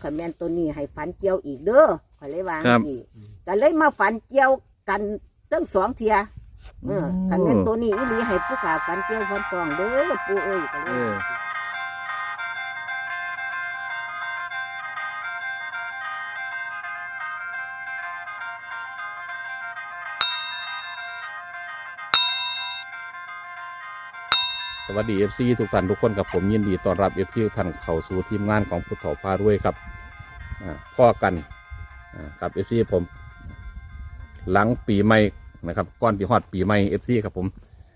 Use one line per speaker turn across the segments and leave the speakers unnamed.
ขันแมนตัวนี้ให้ฝันเกี่ยวอีกเด้อข่อยเลยวางสิก็เลยมาฝันเกี่ยวกันตั้ง2 เทียขันแมนตัวนี้อีหลีให้ผู้ขาฝันเกี่ยวฝันตองเด้อปู่เอ้ยก็เลย
สวัสดี FC ทุกท่านทุกคนกับผมยินดีต้อนรับ FC ทุกท่านเข้าสู่ทีมงานของพุทธเถาพารวยครับพ่อกันกับ FC ผมหลังปีใหม่นะครับก่อนที่ฮอดปีใหม่ FC ครับผม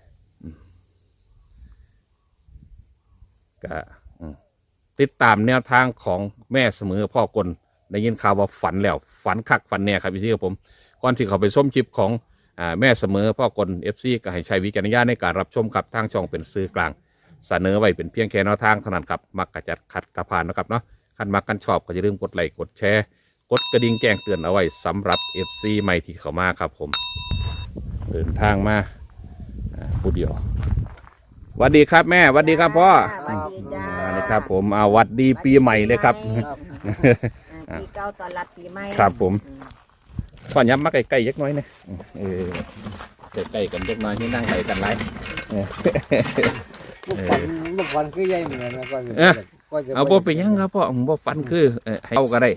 ก็ติดตามแนวทางของแม่เสมอพ่อกลได้ยินข่าวว่าฝันแล้วฝันคักฝันแน่ครับ FC ครับผมก่อนที่เขาไปส้มชิปของแม่เสมอพ่อกล FC ก็ให้ใช้วิจารณญาณในการรับชมกับทางช่องเป็นสื่อกลางเสนอไว้เป็นเพียงแค่แนวทางเท่านั้นครับมักกระจัดขัดกระพานนะครับเนาะคันมักกันชอบก็อย่าลืมกดไลค์กดแชร์กดกระดิ่งแจ้งเตือนเอาไว้สำหรับ FC ใหม่ที่เข้ามาครับผมเดินทางมาผู้เดียวสวัสดีครับแม่สวัสดีครับพ่อ
สวัสดีจ้า
สวัสดีครับผมสวัสดีปีใหม่เลยครับ
ปีเก่าตอนรับปีใหม่
ครับผมพ่อย้ำมาใกล้ๆยักน้อยนะใกล้ๆกันยักน้อยที่นั่งไหลกันไร
ลูกฟันคือใหญ่เหมือนกันนะ
เอาบ่ไปยังครับพ่อบ่ฟันคือให้เอาก็ได้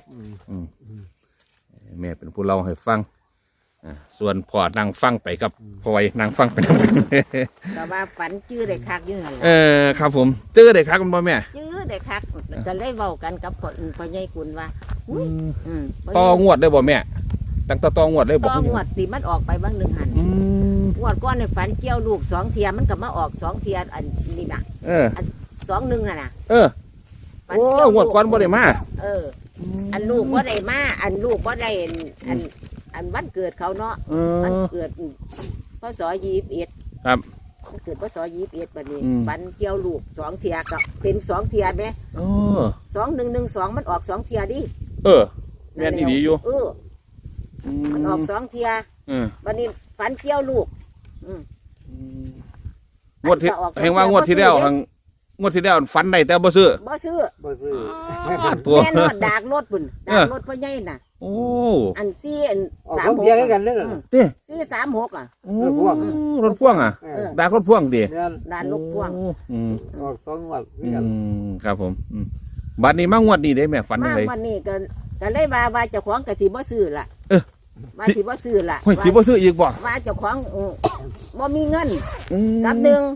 แม่เป็นผู้เล่าให้ฟังส่วนพ่อนั่งฟังไปกับพ่อยนั่งฟังไปทั้งหมด
แต่ว่าฝันจื้อได้คักอยู่หั่น
ครับผมจื้อได้คักคุณพ่อแม่
จื้อได้คักก็เลยเว้ากันกับพ่อใหญ่กุลว่า
ต่องวดได้บ่แม่ตั้งแต่ต่องวดเลยบ่
ต่องวดที่มันออกไปบางนึงหั่นงวดก่อนในฝันเกี่ยวลูก2 เทียมันก็มาออก2 เทียอันนี้น่ะอัน2-1น่ะ
โอ้งวดก่อนบ่ได้มา
อันลูกบ่ได้มาอันลูกบ่ได้อันวันเกิดเขาเนาะวันเกิดพศ21
ครับ
วันเกิดพศ21บัดนี้ฝันเกี่ยวลูก2 เทียก็เป็น2 เทียแม่2112มันออก2 เทียดิ
แม่นดีอยู่
มันออก2 เทียบัดนี้ฝันเกี่ยวลูก
งวดที่เห็นว่างวดที่แล้วงวดที่แล้วฝันได้แต่บ่ซื้อ
ตัวแม่นวดดากรถปุ่นดากรถพ่อใหญ่น่ะ
โอ้
อัน4
3 6กันเด้อ
436
รถพ่วงดากรถพ่วงดิ
ดากรถพ่วง
ออก2 งวด
ครับผมบัดนี้มางวดนี้ได้แม่ฝันจังได๋
วันนี้ก็เลยว่าเจ้าของก็สิบ่ซื้อล่ะว่าสิบ่ซื้อล่ะ
สิบ่ซื้ออีกบ่
ว่าเจ้าของบ่มีเงินกับหนึ่ง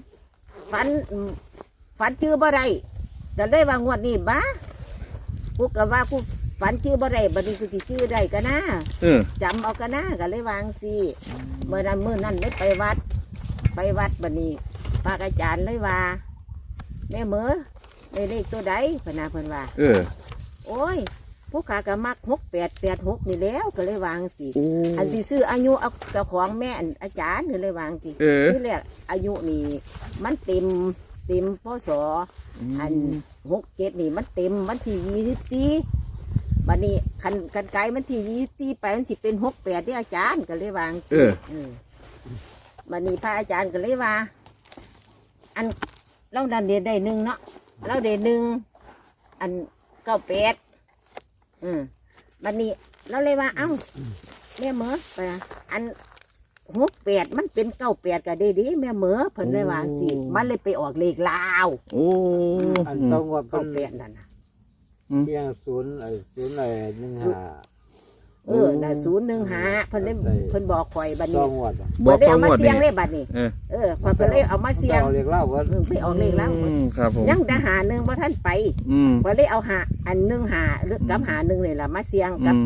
ฝันชื่อบ่ได้ก็เลยว่างวดนี้บ้ากูก็ว่ากูฝันชื่อบ่ได้บัดนี้กูสิชื่อได้ก็นะจำเอาก็นะก็เลยวางสิเมื่อนั้นได้ไปวัดบัดนี้พระอาจารย์เลยว่าแม่เหมอได้เลขตัวใดเพิ่นว่าโอ้ยผู้ขาก็มัก6886นี่แล้วก็เลยวางสิอันสิซื้ออายุเอาเจ้าของแม่อาจารย์นี่เลยวางสิที่แรกอายุนี่มันเต็มพศอัน67นี่มันเต็มวันที่24บัดนี้คันไกลมันที่24ไปมันสิเป็น68ที่อาจารย์ก็เลยวางสิบัดนี้พระอาจารย์ก็เลยว่าอันเราดันเดียได้1เนาะเราได้1อัน98บัดนี้เราเลยว่าเอ้าแม่เหมอไปอัน68มันเป็น98ก็ได้ดิแม่เหมอเพิ่นเลยว่าสิมันเลยไปออกเลขลาว
อันต้องว่า
98นั่นน่ะ
เพียง0อะไร15
ได้015เพิ่นบอกข่อยบัดนี้บ่ได้เอามาเสี่ยงเลยบัดนี้พอก็เลยเอามาเสี่ยง
เลขลาว
ไปออกเลขลาว
ครับผม
ยังแต่หา1บ่ทันไปก็เลยเอาอัน15หรือกับหา1นี่ล่ะมาเสี่ยงกับ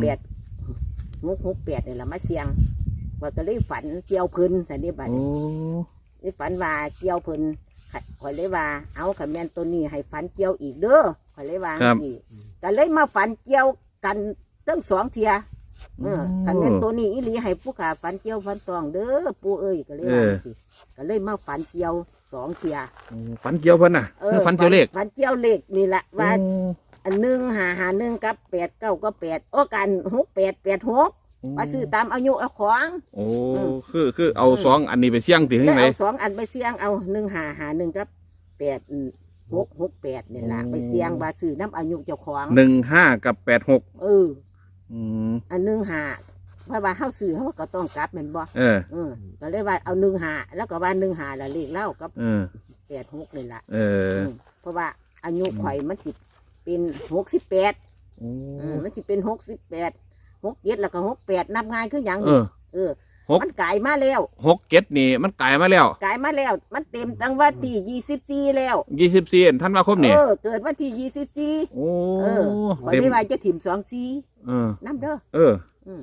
868นี่ล่ะมาเสี่ยงว่าก็เลยฝันเกี่ยวเพิ่นสันนิบาตนี่ฝันว่าเกี่ยวเพิ่นข่อยเลยว่าเอาขันแมนตัวนี้ให้ฝันเกี่ยวอีกเด้อข่อยเลยว่าสิก็เลยมาฝันเกี่ยวกันตั้ง2 เทียขันแมนตัวนี้อีหลีให้ผู้ขาฝันเกี่ยวฝันตองเด้อปู่เอ้ยก็เลยว่าสิก็เลยมาฝันเกี่ยว2 เทีย
ฝันเกี่ยวเพิ่นน่ะฝันเกี่ยวเลข
ฝันเกี่ยวเลขนี่แหละว่าอัน1 กับ8 9กับ8โอ้กัน6886มาซื้อตามอายุเอาของ
คือเอา2 อันนี้ไปเสี่ยงติถึงไหน
เอา2 อันไปเสี่ยงเอา1551กับ8 668นี่ล่ะไปเสี่ยงว่าซื้อน้ำอายุเจ้าของ
15กับ86
เออ อัน15เพราะว่าเฮาซื้อเฮาก็ต้องกลับแม่นบ่ก็เลยว่าเอา15แล้วก็ว่า15แล้วเลขเล่ากับ86นี่ล่ะเพราะว่าอายุข่อยมันสิเป็น68มันสิเป็น68 67แล้วก็68นับง่ายคือหยังมันกลายมาแล้ว
67นี่มันกลายมาแล้ว
มันเต็มตั้งวันที่24แล้ว
24ธันวาคมนี่
เกิดวันที่24
โอ้
ข่อยไม่ว่าจะถิ่ม24นำเด้อ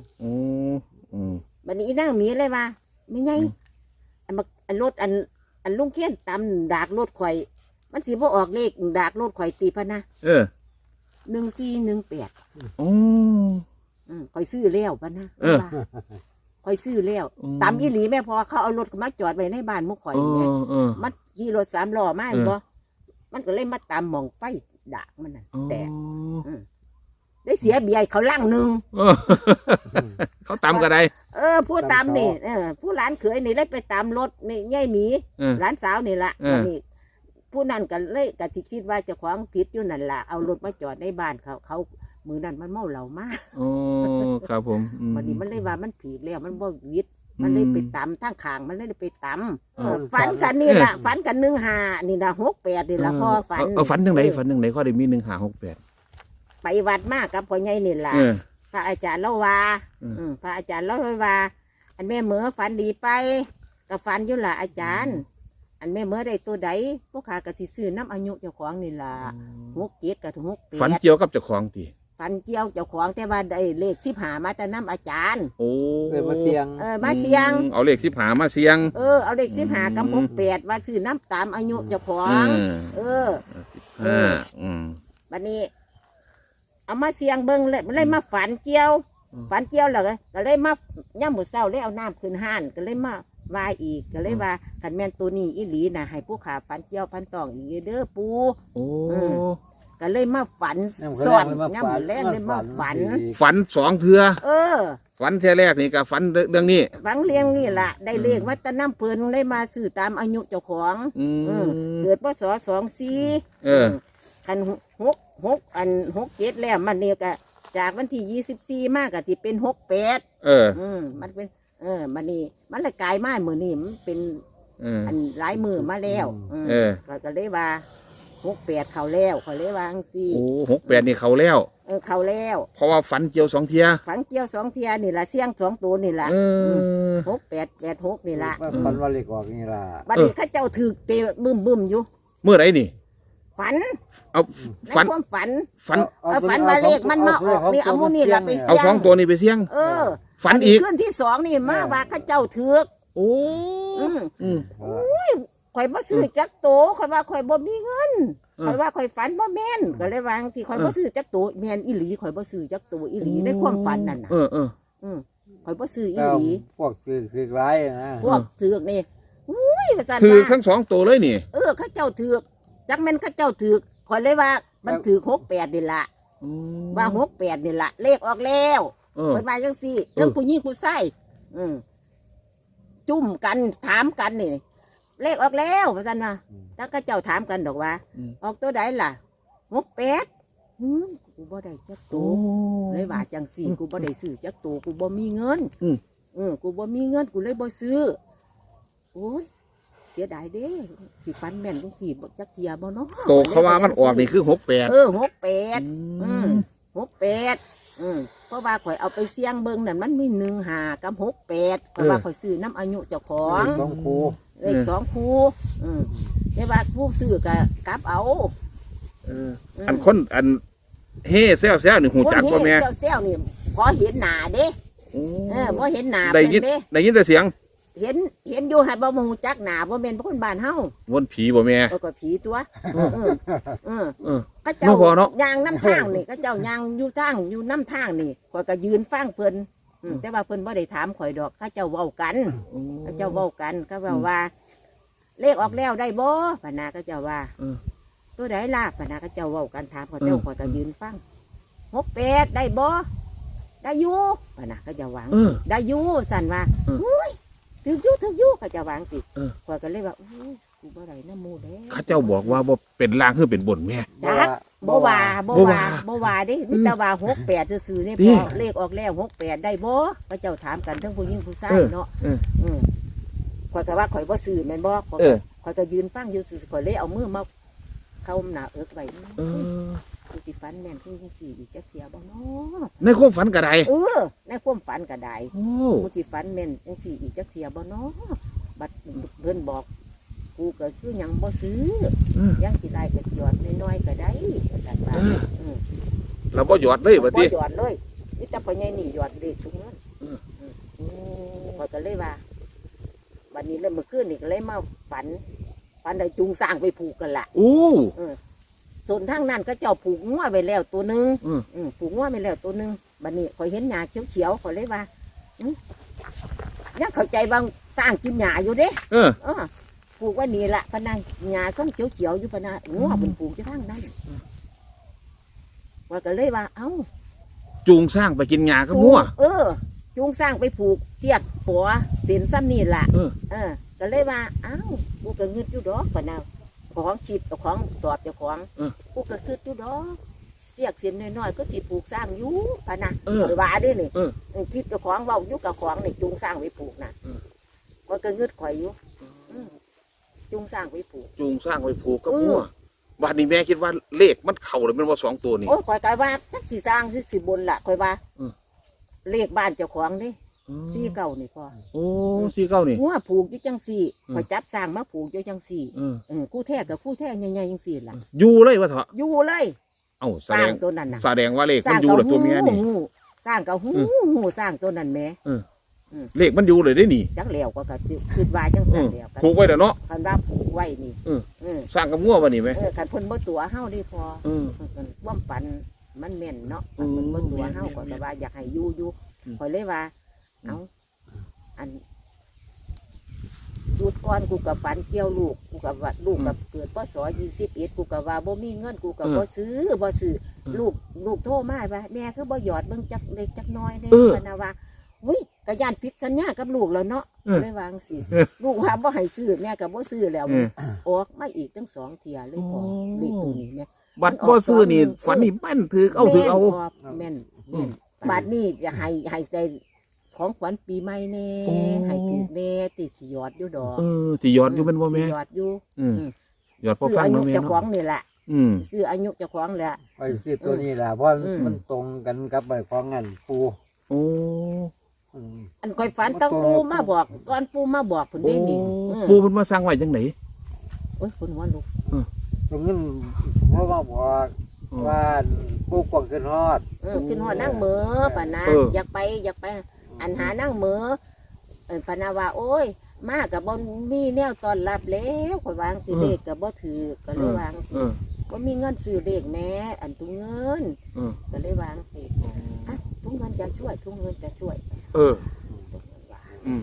บัดนี้นางมีเลยว่าไม่ไงอันรถอันลุงเขียนตำดากรถข่อยมันสิบ่ออกเลขดากรถข่อยตีพะนะ1418ข่อยซื้อแล้วพะนะข่อยซื้อแล้วตำอีหลีแม่พอเขาเอารถมาจอดไว้ในบ้านมุกข่อยแม่มันขี่รถ3ล้อมาบ่มันก็เลยมาตำหม่องไฟดากมันน่ะแต่ได้เสียเบียร์เขาลั่งหนึ่ง
เขาตำก็ได้
ผู้ตำนี่ผู้หลานเขยนี่เลยไปตำรถนี่ย่ายหมีหลานสาวนี่ละนี่ผู้นั้นกันเลยกะที่คิดว่าจะขวางผิดอยู่นั่นล่ะเอารถมาจอดในบ้านเขามือนั้นมันเมาเหล้ามาก
ครับผม
วันนี้มันเลยว่ามันผิดแล้วมันบ่วิทย์มันเลยไปตำทั้งขางมันเลยไปตำฝันกันนี่ล่ะฝันกัน15นี่นะ68นี่ล่ะพ่อฝัน
ฝันจังไหนข้อได้มี1568
ไปวัดมากกับพ่อใหญ่นี่ล่ะพระอาจารย์เล่าว่าพระอาจารย์เล่าว่าอันแม่เหมือฝันดีไปกับฝันอยู่ล่ะอาจารย์อันแม่เหมือได้ตัวใดพวกข้าก็สิซื้อน้ำอายุเจ้าของนี่ล่ะ67กับ68
ฝันเกี่ยวกับเจ้าของติ
ฝันเกี่ยวเจ้าของแต่ว่าได้เลข15มาแต่น้ำอาจารย์
มาเสียง
มาเสียง
เอาเลข15มาเสียง
เอาเลข15กับ68ว่าซื้อน้ำตามอายุเจ้าของบัดนี้เอามาเสียงเบิ้งเลยมันเลยมาฝันเกี่ยวแล้วก็เลยมาย่ำหมูเศร้าเลยเอาน้ำขึ้นห้านก็เลยมาวายอีกก็เลยว่าขันแมนตัวนี้อีหลีนะให้ผู้ขาฝันเกี่ยวฝันตองอีกเด้อปูก็เลยมาฝันสอนย่ำหมูแรกเลยมา
ฝัน2 เทื่อฝันเทื่อแรกนี่ก็ฝันเรื่องนี้
ฝันเรื่องนี้ล่ะได้เลขวัดตะน้ำเพลินเลยมาซื้อตามอายุเจ้าของเกิดพศ24ขัน67แล้วมันเนี่ยก็จากวันที่24มากก็ที่เป็น68มันเป็นมันนี่มันเลยกลายมามือนี่มันเป็นอันหลายมือมาแล้วก็เลยว่า68เขาแล้วเขาเลยว่าจังซี่
68นี่เขาแล้ว
เขาแล้ว
เพราะว่าฝันเกี่ยว2 เที่ย
ฝันเกี่ยว2 เที่ยนี่ล่ะเสียง2ตัวนี่ล่ะ6886นี่ล่ะ
ฝันว่าเลขออกนี่ล่ะ
บัดนี้เขาเจ้าถือเตะบึ้มอยู่
เมื่อไหร่นี่
ฝัน
เอาฝัน
มาเลขมันมาออกนี่เอามูนี่ละไปเสี่ยง
เอา2 ตัวนี่ไปเสี่ยงฝันอีก
ขึ้นที่2นี่มาว่าข้าเจ้าเถือกข่อยบ่ซื้อจักโตข่อยว่าข่อยบ่มีเงินข่อยว่าข่อยฝันบ่แม่นก็เลยวางสิข่อยบ่ซื้อจักโตแม่นอีหลีข่อยบ่ซื้อจักโตอีหลีในความฝันนั่นน่ะข่อยบ่ซื้ออีหลี
พวกซื้อร้ายนะ
พวกเถือกนี่ว่าซั่น
คือทั้ง2 ตัวเลยนี่
ข้าเจ้าเถือกจักแม่นข้าเจ้าถือกข่อยเลยว่ามันถือ68นี่ล่ะว่า68นี่ล่ะเลขออกแล้วเพิ่นว่าจังซี่เรื่องผู้หญิงผู้ชายจุ่มกันถามกันนี่เลขออกแล้วว่าซั่นว่าถ้าข้าเจ้าถามกันดอกว่าออกตัวใดล่ะ68กูบ่ได้จักตัวเลยว่าจังซี่กูบ่ได้ซื้อจักตัวกูบ่มีเงินกูบ่มีเงินกูเลยบ่ซื้อโอ้ยเสียดายเด้สิฟันแม่นจังซี่บ่จักเทียบ่เนาะ
โตเขาว่ามันออกนี่คือ68
68เพราะว่าข่อยเอาไปเสี่ยงเบิ่งนั่นมันมี15กับ68เพราะว่าข่อยซื้อน้ำอายุเจ้าของเลข2คู่แต่ว่าผู้ซื้อก็กลับเอา
อันคนอันเฮ่แซวๆนี่หูจักบ่แม่
แซวๆนี่พอเห็นหน้าเด้พอเห็นหน้า
ได้ยินแต่เสียง
เห็นอยู่ให้บ่ฮู้จักหน้าบ่แม่นคนบ้านเฮา
วนผีบ่แม่
ก็ผีตัวก็เจ้าย่างน้ำทางนี่ก็เจ้าย่างอยู่ทางอยู่น้ำทางนี่ข่อยก็ยืนฟังเพิ่นแต่ว่าเพิ่นบ่ได้ถามข่อยดอกเขาเจ้าเว้ากันเขาเจ้าเว้ากันก็ว่าเลขออกแล้วได้บ่ปะนาก็เจ้าว่าตัวใดล่ะปะนาก็เจ้าเว้ากันถามข่อยเจ้าข่อยก็ยืนฟัง68ได้บ่ได้อยู่ปะนาก็จะหวังได้อยู่สั่นว่าอุ้ยถืออยู่เขาจะวางสิ
เออ
ข่อยก็เลยว่าโอ้ยกูบ่ได้น้ำมูเด้
เขาเจ้าบอกว่าบ่เป็นล่างคือเป็นบนแม่
จักบ่ว่าเด้มีแต่ว่า68ซื่อๆนี่
นี่
พอเลขออกแล้ว68ได้บ่เขาเจ้าถามกันทั้งผู้หญิงผู้ชายเนาะ
เออ
ข่อยก็ว่าข่อยบ่ซื้อแม่นบ่ข่อย
เออ
ข่อยก็ยืนฟังอยู่ซื่อๆข่อยเลยเอามือมาเข้าหน้าเอิกไว้
เออ
กูสิฝันแม่นคือจังซี่อีกจักเที่ยบ่เนาะ
ในความฝันก็ได้
ในความฝันก็ได้
โอ้
กูสิฝันแม่นจังซี่อีกจักเที่ยบ่เนาะบัดเพิ่นบอกกูก็คือหยังบ่ซื้อ
เออ
ยังสิได้ก็หยอดน้อยๆก็ได้ว่าซั่นว่า
เออ เราบ่หยอดเลยบัด
บ่
นี้
หยอดเลยมีแต่พ่อใหญ่นี่หยอดเลขทุกเงิน ข้อยก็เลยว่าวันนี้เลยเมื่อคืนนี่ก็เลยมาฝันได้จูงสร้างไปผูกกันละ
โอ้
ส่วนทางนั้นก็เจ้าผูกงัวไปแล้วตัวหนึง
อืม
ผูกงัวไปแล้วตัวหนึงบัดนี้ข่อยเห็นหญ้าเขียวๆข่อยเลยว่ายังเข้าใจบางสร้างกินหญ้าอยู่เด้
เออ
ผูกไว่านี่ละพะนังหญ้าส้มเขียวๆอยู่พะนังงัวเป็นผูกอยู่ทางนั้นว่าก็เลยว่าเอ้า
จูงสร้างไปกินหญ้ากับงัว
จูงสร้างไปผูกเจียกปัวเส้นซ้ำนี่ล่ะ
เออ
ก็เลยว่าอ้าวกูก็เงืดอยู่ดอกปะนะของคิดเอาของตอบเจ้าของกูก็คืดอยู่ดอกเสียกเสียนน้อยๆก็สิปลูกสร้างอยู่ปะนะว่าได้นี่คิดเจ้าของเว้าอยู่กับของนี่จูงสร้างไว้ปลูกนะก็เงืดข่อยอยู่จูงสร้างไว้ปลูก
จูงสร้างไปผูกกับงัวบัดนี้แม่คิดว่าเลขมันเข้าหรือมันว่า2ตัวนี่
โอ้ยข่อยก็ว่าจักสิสร้างสิบนล่ะข่อยว่าเลขบ้านเจ้าของนี่49นี่พอ
โอ้49นี่
งัวผูกอยู่จังสี่ข่อยจับสร้างมาผูกอยู่จังสี่ กู้แท้กับกู้แท้ใหญ่ๆจังสี่ล่ะ
อยู่เลยว่าเถอะ
อยู่เลย
เอ้าแส
สร้า
ด
ง
ง
ตัวนั้นน่ะ
แสดงว่าเลขมันอยู่เหรอตัวเมียนี่
สร้างกับหูสร้างตัวนั้นแหม่
เลขมันอยู่เลยได้นี่
จังแล้วก็คิดว่าจังสั่นแล้วกัน
ผูกไว้เด้อเนาะ
คันว่าผูกไว้นี่
สร้างกับงัวบ่นี่แม่
คันเพิ่นบ่ตัวเฮาได้พอ
เออ
ความฝันมันแม่นเนาะคันเพิ่นบ่ตัวเฮาก็ว่าอยากให้อยู่ข่อยเลยว่าเอ้าอันดูดก่อนกูกับฝันเกี่ยวลูกกูกับว่าลูกกับเกิดพศ21กูกับว่าบ่มีเงินกูกับบ่ซื้อลูกโทรมาว่าแม่คือบ่หยอดเบิ่งจักเล็กจักน้อยเด้พะนะว่าอุ้ยก็ย่านผิดสัญญากับลูกแล้วเนาะเลยวางสิลูกว่าบ่ให้ซื้อแม่ก็บ่ซื้อแล้วออกมาอีกตั้ง2เที่ยเลยพอเลขตัวนี้แม่
บัดบ่ซื้อนี่ฝันนี่แม่นถือเอาถือเอา
แม่นบัดนี้จะให้ได้ของขวัญปีใหม่แน่ให้ถือแน่ติดสิหยอดอยู่ดอก
สิหยอดอยู่แม่นบ่แม่
สิหยอดอยู่
หยอดพอ
ซื้อ
ฟัง
อายุ
เนาะแม่
เจ้าของ
เนาะ
นี่แหละซื้ออายุเจ้าของแหละ
ไปซื้อตัวนี้แหละเพราะมันตรงกันกับใบของเงินปู
โอ้
อันคอยฝันต้องปูมาบอกก่อนปูมาบอกผลนี้นี่
ปูเพิ่นมาสร้างไว้จังได๋
โอ้ยคนหัวลุก
ตรงเงินเพราะว่าบอกว่าปูกวางขึ้นฮอด
ขึ้นหัวนั่งเหมือป่ะนะอยากไปอันหานั่งเหมือปานาว่าโอ้ยมากับบ่มีแนวตอนรับแล้วคอยวางสิเลขกับบ่ถือก็เลยวางสิบ่มีเงินซื้อเลขแม้อันตุ้งเงินก็เลยวางสิอ่ะตุ้งเงินจะช่วยตุ้งเงินจะช่วยตุ้งเงินว่า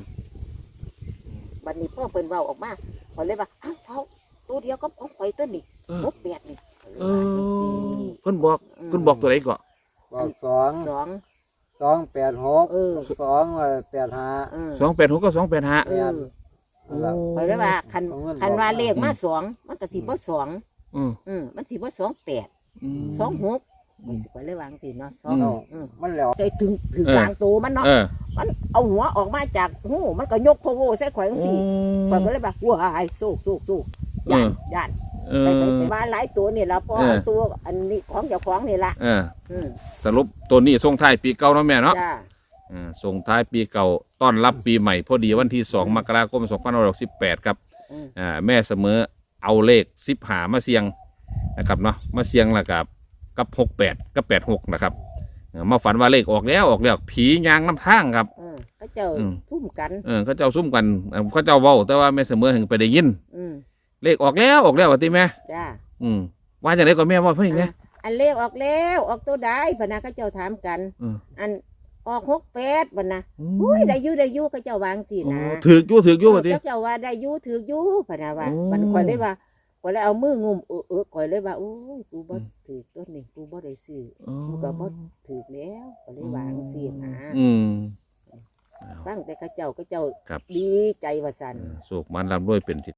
บัดนี้พ่อเพิ่นเว้าออกมาพอเลยว่าอ้าวเขาตัวเดียวก็ของข่อยตัวนี้68นี่
เพิ่นบอกตัวไหนก่อน
บอก
2
286 285
286กับ285
ข่อยเลยว่าคันว่าเลขมา2มันก็สิบ่2มันสิบ่28 26ข่อยเลยวางสิเนาะ2
มันแล้ว
ใส่ถึงกลางตัวมันเนาะมันเอาหัวออกมาจากหูมันก็ยกโพโวใส่ข่อยจังซี่ข่อยก็เลยว่าว้ายสู้ย่านไปว่าหลายตัวนี่ล่ะพอตัวอันนี้ของเจ้าของนี่ล่ะ
สรุปตัวนี้ส่งท้ายปีเก่าเนาะแม่เนาะ
จ้า
ส่งท้ายปีเก่าต้อนรับปีใหม่พอดีวันที่2 มกราคม 2568ครับแม่เสมอเอาเลข15มาเสียงนะครับเนาะมาเสียงแล้วกับ68กับ86นะครับมาฝันว่าเลขออกแล้วผียางน้ำทางครับ
เขาเจ้าซุ่มกัน
เขาเจ้าซุ่มกันเขาเจ้าเว้าแต่ว่าแม่เสมอถึงไปได้ยินเลขออกแล้วว่าติแม่
จ้า
ว่าจังได๋ก็แม่ว่าเพิ่นไง
อันเลขออกแล้วออกตัวใดพะนะเขาเจ้าถามกันอันออก68บัดนะอุ้ยได้อยู่เขาเจ้าวางสินะ
ถือกอยู่ว่าติ
เขาเจ้าว่าได้อยู่ถือกอยู่พะนะว่ามันข่อยเลยว่าข่อยเลยเอามืองุมข่อยเลยว่าโอ้ยกูบ่ถือต้นนี่กูบ่ได้ซื้อกูก็บ่ถือแล้วก็เลยวางสินะฟังแต่เขาเจ้า
ครับ
ดีใจว่าซั่น
โศกมันร่ำรวยเป็นสิ